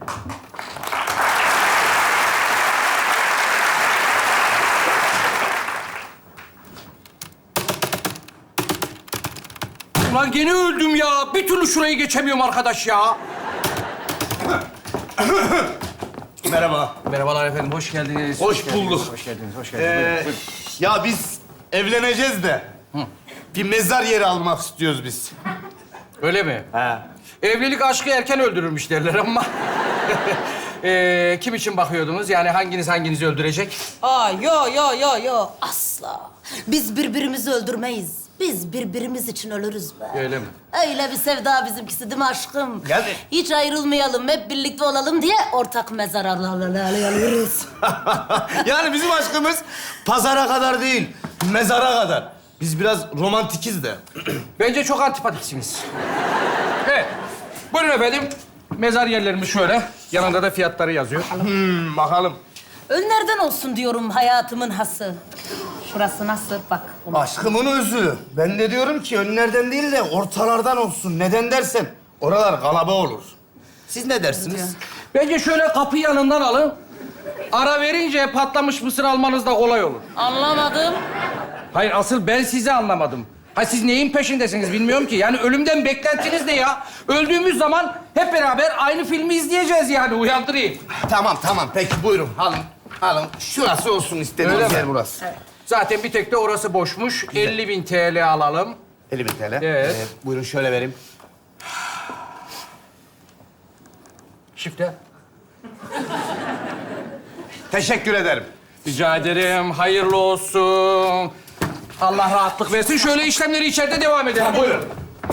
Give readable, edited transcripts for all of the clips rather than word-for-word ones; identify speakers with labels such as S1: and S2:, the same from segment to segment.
S1: Ulan gene öldüm ya. Bir türlü şurayı geçemiyorum arkadaş ya.
S2: Merhaba.
S1: Merhabalar efendim, hoş geldiniz.
S2: Hoş
S1: geldiniz,
S2: bulduk.
S1: Hoş geldiniz, hoş geldiniz. Buyurun, buyurun.
S2: Ya biz evleneceğiz de bir mezar yeri almak istiyoruz biz.
S1: Öyle mi?
S2: He.
S1: Evlilik aşkı erken öldürürmüş derler ama... kim için bakıyordunuz? Yani hanginizi öldürecek?
S3: Yo. Asla. Biz birbirimizi öldürmeyiz. Biz birbirimiz için ölürüz be.
S1: Öyle mi?
S3: Öyle bir sevda bizimkisi değil mi aşkım?
S2: Yani-
S3: Hiç ayrılmayalım, hep birlikte olalım diye ortak mezar alıyoruz.
S2: Yani bizim aşkımız pazara kadar değil, mezara kadar. Biz biraz romantikiz de.
S1: Bence çok antipatiksiniz. Evet. Buyurun efendim. Mezar yerlerimiz şöyle. Yanında da fiyatları yazıyor.
S2: Bakalım.
S3: Önlerden olsun diyorum hayatımın hası. Şurası nasıl? Bak.
S2: Aşkımın özü. Ben de diyorum ki önlerden değil de ortalardan olsun. Neden dersen oralar kalaba olur. Siz ne dersiniz?
S1: Bence şöyle kapı yanından alın. Ara verince patlamış mısır almanız da kolay olur.
S3: Anlamadım.
S1: Hayır, asıl ben sizi anlamadım. Ha, siz neyin peşindesiniz bilmiyorum ki. Yani ölümden beklentiniz ne ya? Öldüğümüz zaman hep beraber aynı filmi izleyeceğiz yani. Uyandırayım.
S2: Tamam. Peki buyurun. Alın. Şurası olsun
S1: Öyle
S2: istediğiniz
S1: mi?
S2: yer burası.
S1: Zaten bir tek de orası boşmuş. 50.000 TL alalım.
S2: 50.000 TL.
S1: Evet.
S2: Buyurun şöyle vereyim.
S1: Şifre.
S2: Teşekkür ederim.
S1: Rica ederim. Hayırlı olsun. Allah rahatlık versin. Şöyle işlemleri içeride devam edelim. Buyurun.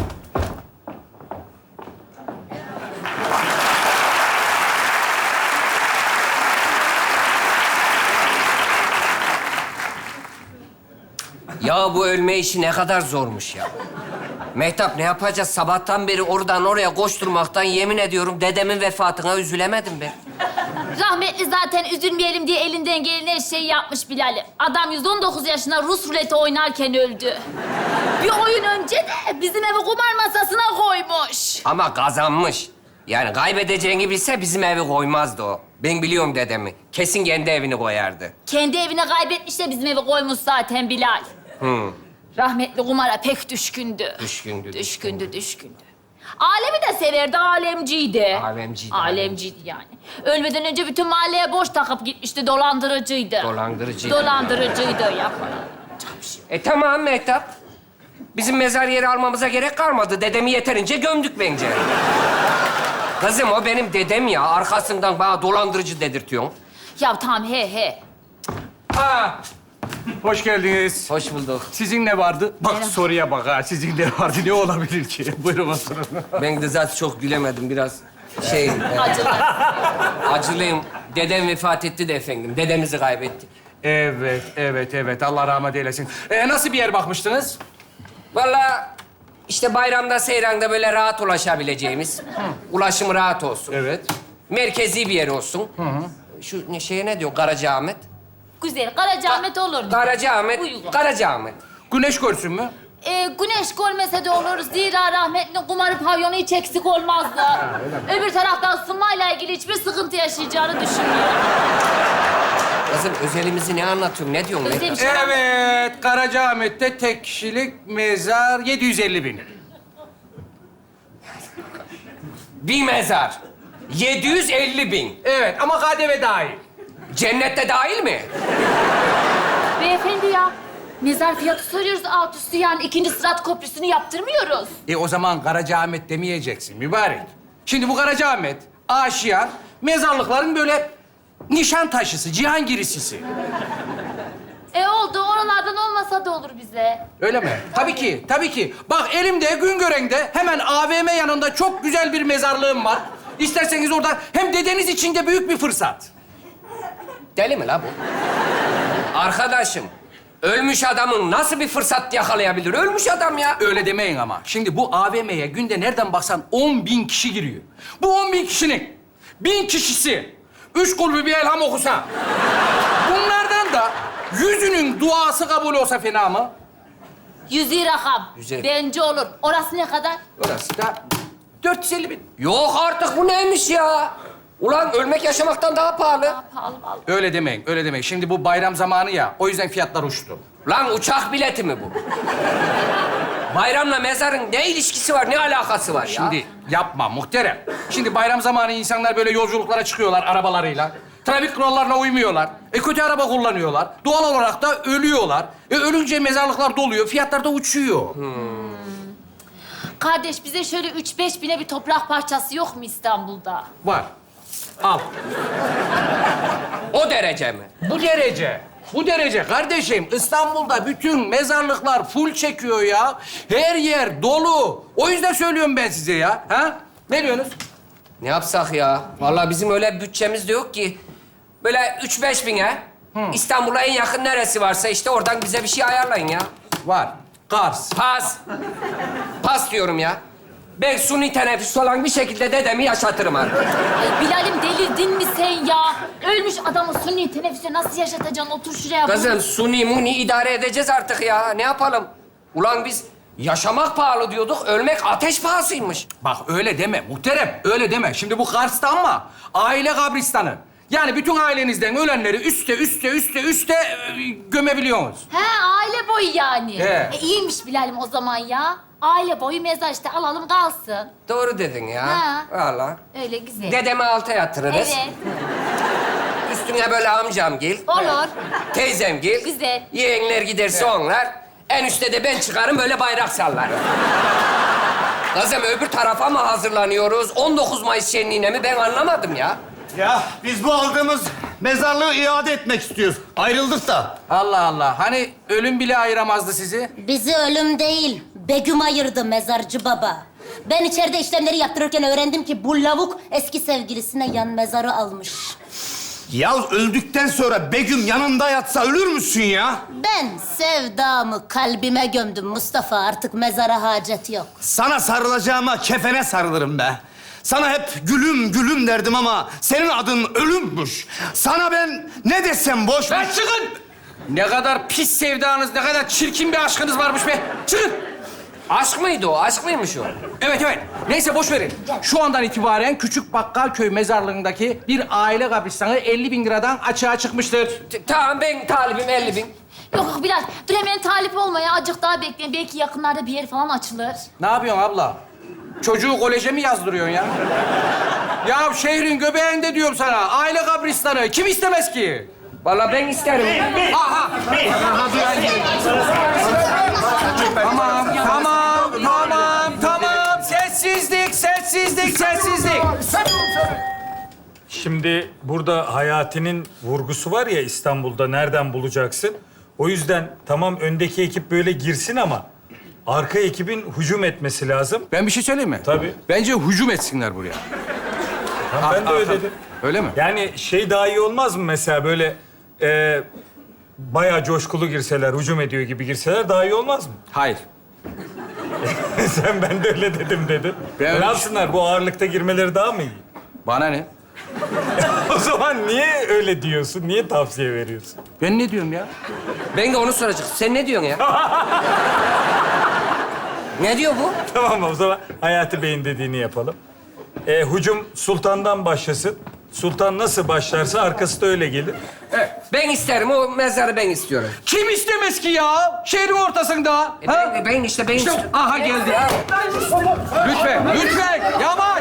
S4: Ya bu ölme işi ne kadar zormuş ya. Mehtap, ne yapacağız? Sabahtan beri oradan oraya koşturmaktan yemin ediyorum dedemin vefatına üzülemedim ben.
S5: Rahmetli zaten üzülmeyelim diye elinden gelen her şeyi yapmış Bilal'im. Adam 119 yaşında Rus ruleti oynarken öldü. Bir oyun önce de bizim evi kumar masasına koymuş.
S4: Ama kazanmış. Yani kaybedeceğini bilse bizim evi koymazdı o. Ben biliyorum dedemi. Kesin kendi evini koyardı.
S5: Kendi evine kaybetmiş de bizim evi koymuş zaten Bilal. Rahmetli kumara pek düşkündü. Düşkündü. Alemi de severdi, alemciydi. Alemciydi yani. Ölmeden önce bütün mahalleye boş takıp gitmişti, dolandırıcıydı. Dolandırıcıydı yapma.
S4: Tamam Mehtap. Bizim mezar yeri almamıza gerek kalmadı. Dedemi yeterince gömdük bence. Kızım, o benim dedem ya. Arkasından bana dolandırıcı dedirtiyorsun.
S5: Ya tamam he.
S1: Ha. Hoş geldiniz.
S4: Hoş bulduk.
S1: Sizin ne vardı? Bak soruya bak ha. Sizin ne vardı? Ne olabilir ki? Buyurun oturun.
S4: Ben de zaten çok gülemedim. Biraz
S5: Acılı.
S4: acılıyım. Dedem vefat etti de efendim. Dedemizi kaybettik.
S1: Evet. Allah rahmet eylesin. Nasıl bir yer bakmıştınız?
S4: Vallahi işte bayramda, seyranda böyle rahat ulaşabileceğimiz, ulaşım rahat olsun.
S1: Evet.
S4: Merkezi bir yer olsun. Şu şeye ne diyor? Karacaahmet.
S5: Güzel, Karacaahmet olur.
S4: Karacaahmet.
S5: Uygun.
S4: Karacaahmet.
S1: Güneş görsün mü?
S5: Güneş görmese de olur. Zira rahmetli kumarı pavyonu hiç eksik olmazdı. Öbür tarafta ısınmayla ilgili hiçbir sıkıntı yaşayacağını düşünmüyorum.
S4: Kızım, özelimizi ne anlatıyorsun? Ne diyorsun?
S5: Özel bir
S4: Mehtap?
S5: şey var mı?
S1: Evet. Karacaahmet'te tek kişilik mezar 750.000.
S4: Bir mezar. 750.000.
S1: Evet ama KDV dahil.
S4: Cennette dahil mi?
S5: Beyefendi ya, mezar fiyatı soruyoruz alt üstü yani. İkinci Sırat Köprüsü'nü yaptırmıyoruz.
S1: O zaman Karacaahmet demeyeceksin mübarek. Şimdi bu Karacaahmet, Aşiyan, mezarlıkların böyle nişan taşısı, Cihangirlisisi.
S5: Oldu, oralardan olmasa da olur bize.
S1: Öyle mi? Tabii ki. Bak elimde, Güngören'de hemen AVM yanında çok güzel bir mezarlığım var. İsterseniz orada hem dedeniz için de büyük bir fırsat.
S4: Deli mi la bu? Arkadaşım, ölmüş adamın nasıl bir fırsat yakalayabilir? Ölmüş adam ya.
S1: Öyle demeyin ama. Şimdi bu AVM'ye günde nereden baksan 10.000 kişi giriyor. Bu 10.000 kişinin 1000 kişisi 3 kulübü bir elham okusa, bunlardan da 100'ünün duası kabul olsa fena mı?
S5: 100 rakam.
S4: Güzel.
S5: Bence olur. Orası ne kadar?
S1: Orası da 450.000.
S4: Yok artık, bu neymiş ya? Ulan ölmek yaşamaktan daha pahalı.
S5: Pahalı vallahi.
S1: Öyle demeyin, öyle demeyin. Şimdi bu bayram zamanı ya, o yüzden fiyatlar uçtu.
S4: Lan uçak bileti mi bu? Bayramla mezarın ne ilişkisi var, ne alakası var ya?
S1: Şimdi yapma muhterem. Şimdi bayram zamanı insanlar böyle yolculuklara çıkıyorlar arabalarıyla. Trafik kurallarına uymuyorlar. Kötü araba kullanıyorlar. Doğal olarak da ölüyorlar. Ölünce mezarlıklar doluyor, fiyatlar da uçuyor.
S5: Kardeş bize şöyle 3-5 bine bir toprak parçası yok mu İstanbul'da?
S1: Var. Al.
S4: O derece mi?
S1: Bu derece. Bu derece kardeşim. İstanbul'da bütün mezarlıklar full çekiyor ya. Her yer dolu. O yüzden söylüyorum ben size ya. Ha? Ne diyorsunuz?
S4: Ne yapsak ya? Vallahi bizim öyle bütçemiz de yok ki. Böyle 3-5 bine İstanbul'a en yakın neresi varsa işte oradan bize bir şey ayarlayın ya.
S1: Var. Kars.
S4: Pas. Pas diyorum ya. Ben suni teneffüs olan bir şekilde dedemi yaşatırım artık.
S5: Ay Bilal'im delirdin mi sen ya? Ölmüş adamı sünni teneffüse nasıl yaşatacaksın? Otur şuraya.
S4: Kızım suni muni idare edeceğiz artık ya. Ne yapalım? Ulan biz yaşamak pahalı diyorduk, ölmek ateş pahasıymış.
S1: Bak öyle deme muhterem. Öyle deme. Şimdi bu Kars'ta ama aile kabristanı. Yani bütün ailenizden ölenleri üste gömebiliyorsunuz.
S5: He aile boyu yani.
S1: He.
S5: İyiymiş Bilal'im o zaman ya. Aile boyu mezar işte alalım kalsın.
S4: Doğru dedin ya.
S5: Ha.
S4: Vallahi.
S5: Öyle güzel.
S4: Dedemi alta yatırırız.
S5: Evet.
S4: Üstüne böyle amcamgil,
S5: Olur.
S4: teyzemgil.
S5: Güzel.
S4: Yeğenler giderse onlar. En üstte de ben çıkarım böyle bayrak sallarım. Kızım öbür tarafa mı hazırlanıyoruz? 19 Mayıs şenliğine mi? Ben anlamadım ya.
S2: Ya biz bu aldığımız mezarlığı iade etmek istiyoruz. Ayrıldık da.
S1: Allah Allah. Hani ölüm bile ayıramazdı sizi.
S3: Bizi ölüm değil, Begüm ayırdı mezarcı baba. Ben içeride işlemleri yaptırırken öğrendim ki bu lavuk eski sevgilisine yan mezarı almış.
S2: Ya öldükten sonra Begüm yanında yatsa ölür müsün ya?
S3: Ben sevdamı kalbime gömdüm Mustafa. Artık mezara hacet yok.
S2: Sana sarılacağıma kefene sarılırım be. Sana hep gülüm gülüm derdim ama senin adın ölümmüş. Sana ben ne desem boş.
S1: Lan çıkın! Ne kadar pis sevdanız, ne kadar çirkin bir aşkınız varmış be. Çıkın!
S4: Aşk mıydı o? Aşk mıymış o?
S1: Evet. Neyse boş verin. Şu andan itibaren Küçük Bakkalköy mezarlığındaki bir aile kabristanı 50.000 liradan açığa çıkmıştır.
S4: Tamam ben talibim 50.000.
S5: Yok Bilal dur hemen talip olma ya. Azıcık daha bekleyin. Belki yakınlarda bir yer falan açılır.
S1: Ne yapıyorsun abla? Çocuğu koleje mi yazdırıyorsun ya? Ya şehrin göbeğinde diyorum sana. Aile kabristanı. Kim istemez ki?
S4: Vallahi ben isterim.
S1: Aha! Tamam. Sessizlik.
S6: Şimdi burada Hayati'nin vurgusu var ya İstanbul'da nereden bulacaksın? O yüzden tamam öndeki ekip böyle girsin ama arka ekibin hücum etmesi lazım.
S1: Ben bir şey söyleyeyim mi?
S6: Tabii.
S1: Bence hücum etsinler buraya.
S6: Tamam, ben de öyle dedim.
S1: Öyle mi?
S6: Yani şey daha iyi olmaz mı mesela böyle bayağı coşkulu girseler, hücum ediyor gibi girseler daha iyi olmaz mı?
S1: Hayır.
S6: Sen ben de öyle dedim dedin.
S1: Ben öyle
S6: Ne yapsınlar bu ağırlıkta girmeleri daha mı iyi?
S1: Bana ne?
S6: O zaman niye öyle diyorsun? Niye tavsiye veriyorsun?
S1: Ben ne diyorum ya?
S4: Ben de onu soracağım. Sen ne diyorsun ya? Ne diyor bu?
S6: Tamam o zaman Hayati Bey'in dediğini yapalım. Hücum Sultan'dan başlasın. Sultan nasıl başlarsa arkası da öyle gelir.
S4: Ben isterim. O mezarı ben istiyorum.
S1: Kim istemez ki ya? Şehrin ortasında. Ha?
S4: Ben
S1: İşte, aha geldi. Lütfen. Yavaş.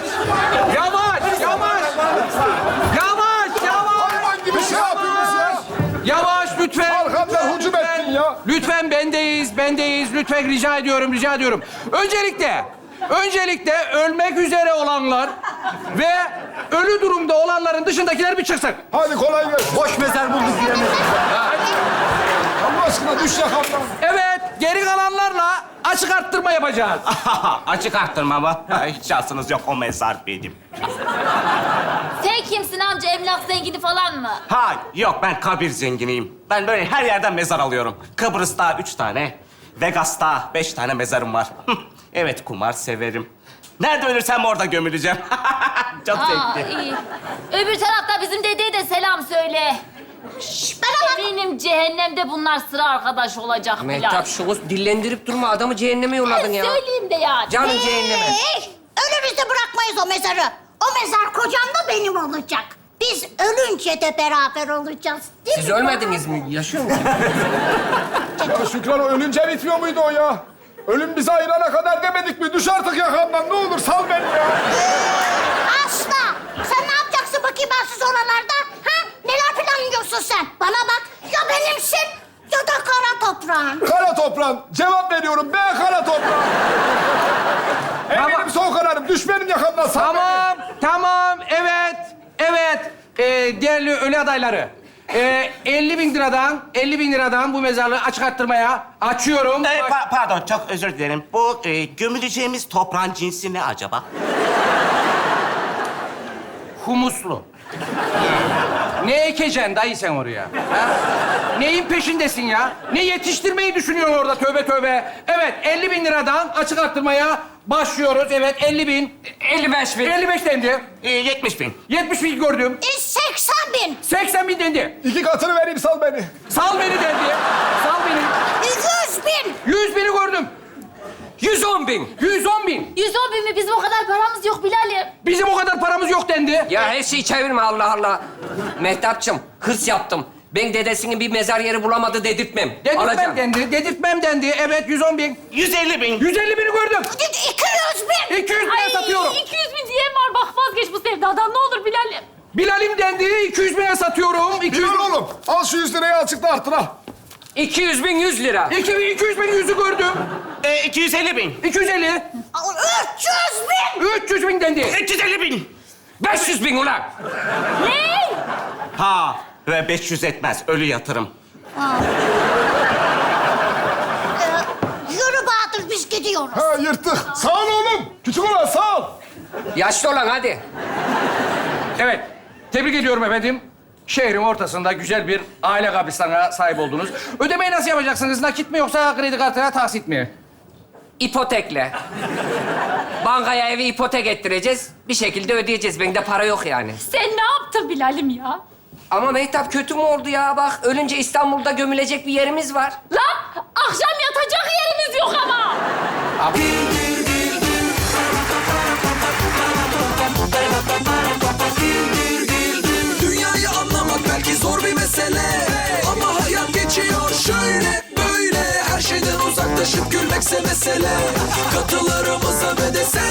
S7: Bir şey yapıyoruz ya.
S1: Yavaş lütfen.
S7: Arkamdan hücum ettin ya.
S1: Lütfen bendeyiz. Lütfen rica ediyorum. Öncelikle ölmek üzere olanlar ve ölü durumda olanların dışındakiler bir çıksın.
S7: Hadi kolay gelsin.
S2: Boş mezar bulduk diye.
S7: Allah aşkına düş yakamdan.
S1: Evet, geri kalanlarla açık arttırma yapacağız.
S8: Açık arttırma mı? Hiç şansınız yok o mezar benim.
S5: Sen kimsin amca? Emlak zengini falan mı?
S8: Ha yok ben kabir zenginiyim. Ben böyle her yerden mezar alıyorum. Kıbrıs'ta 3 tane, Vegas'ta 5 tane mezarım var. Evet kumar severim. Nerede ölürsem orada gömüleceğim. Çok zevkli.
S5: İyi. Öbür tarafta bizim dedeye de selam söyle. Eminim cehennemde bunlar sıra arkadaş olacak Bilal.
S4: Mehtap şunu dillendirip durma. Adamı cehenneme yolladın ya.
S5: Söyleyeyim de yani.
S4: Canım cehenneme.
S3: Önümüzde bırakmayız o mezarı. O mezar kocam da benim
S9: olacak. Biz ölünce de beraber olacağız. Değil
S4: Siz
S9: mi?
S4: ölmediniz mi? Yaşıyor musunuz?
S7: Ya Şükran, o ölünce bitmiyor muydu o ya? Ölüm bizi ayırana kadar demedik mi? Düş artık yakamdan, ne olur sal beni ya.
S9: Asla. Sen ne yapacaksın bakayım bensiz oralarda? Ha? Neler planlıyorsun sen? Bana bak. Ya benimsin ya da kara toprağın.
S7: Kara toprağın. Cevap veriyorum. B kara toprağın. Eminim son kararım. Düş benim yakamdan, sal beni.
S1: Tamam, tamam, evet, evet. Değerli ölü adayları. 50 bin liradan bu mezarlığı açık arttırmaya açıyorum.
S8: Pardon, çok özür dilerim. Bu gömüleceğimiz toprağın cinsi ne acaba?
S1: Humuslu. Ne ekeceksin dayı sen oraya? Ha? Neyin peşindesin ya? Ne yetiştirmeyi düşünüyorsun orada, tövbe tövbe. Evet, 50 bin liradan açık arttırmaya başlıyoruz. Evet, 50 bin.
S4: 55 bin.
S1: 55 dendi.
S8: 70 bin.
S1: 70 bin gördüm.
S9: 80 bin.
S1: 80 bin dendi.
S7: 2 katını vereyim, sal beni.
S1: Sal beni dendi. Sal beni.
S9: 100 bin.
S1: 100 bini gördüm.
S4: 110 bin.
S1: 110 bin.
S5: 110 bin mi? Bizim o kadar paramız yok Bilal'im.
S1: Bizim o kadar paramız yok dendi.
S4: Ya her şeyi çevirme Allah Allah. Mehtapçım, hırs yaptım. Ben dedesinin bir mezar yeri bulamadı dedirtmem.
S1: Dedirtmem
S4: Alacağım.
S1: dendi. Dedirtmem dendi. Evet, 110 bin.
S8: 150 bin.
S1: 150 bini gördüm.
S9: 200 bin.
S1: 200 bine satıyorum.
S5: 200 bin diyen var. Bak vazgeç bu sevdadan ne olur Bilal'im.
S1: Bilal'im dendi. 200 bine satıyorum. 200
S7: Bilal oğlum, al şu 100 lirayı açıkla arttır al.
S4: 200 bin 100 lira.
S1: 200 bin yüzü gördüm.
S8: 250 bin.
S1: 250.
S9: 300 bin.
S1: 300 bin dendi.
S8: 350 bin.
S4: 500 bin ulan.
S5: Ne?
S8: Ha, ve 500 etmez. Ölü yatırım.
S9: Yürü Bahadır biz gidiyoruz.
S7: Ha, yırttık. Sağ ol oğlum. Küçük olan sağ ol.
S4: Yaşlı olan hadi.
S1: Evet. Tebrik ediyorum efendim. Şehrin ortasında güzel bir aile kabristanına sahip oldunuz. Ödemeyi nasıl yapacaksınız? Nakit mi yoksa kredi kartına taksit mi?
S4: İpotekle. Bankaya evi ipotek ettireceğiz. Bir şekilde ödeyeceğiz. Bende para yok yani.
S5: Sen ne yaptın Bilal'im ya?
S4: Ama Mehtap kötü mü oldu ya? Bak ölünce İstanbul'da gömülecek bir yerimiz var.
S5: Lan akşam yatacak yerimiz yok ama.
S10: Dünyayı anlamak belki zor bir mesele, ama hayat geçiyor şöyle böyle. Her şeyden uzaklaşıp gülmekse mesele. Katılarımıza ve de sen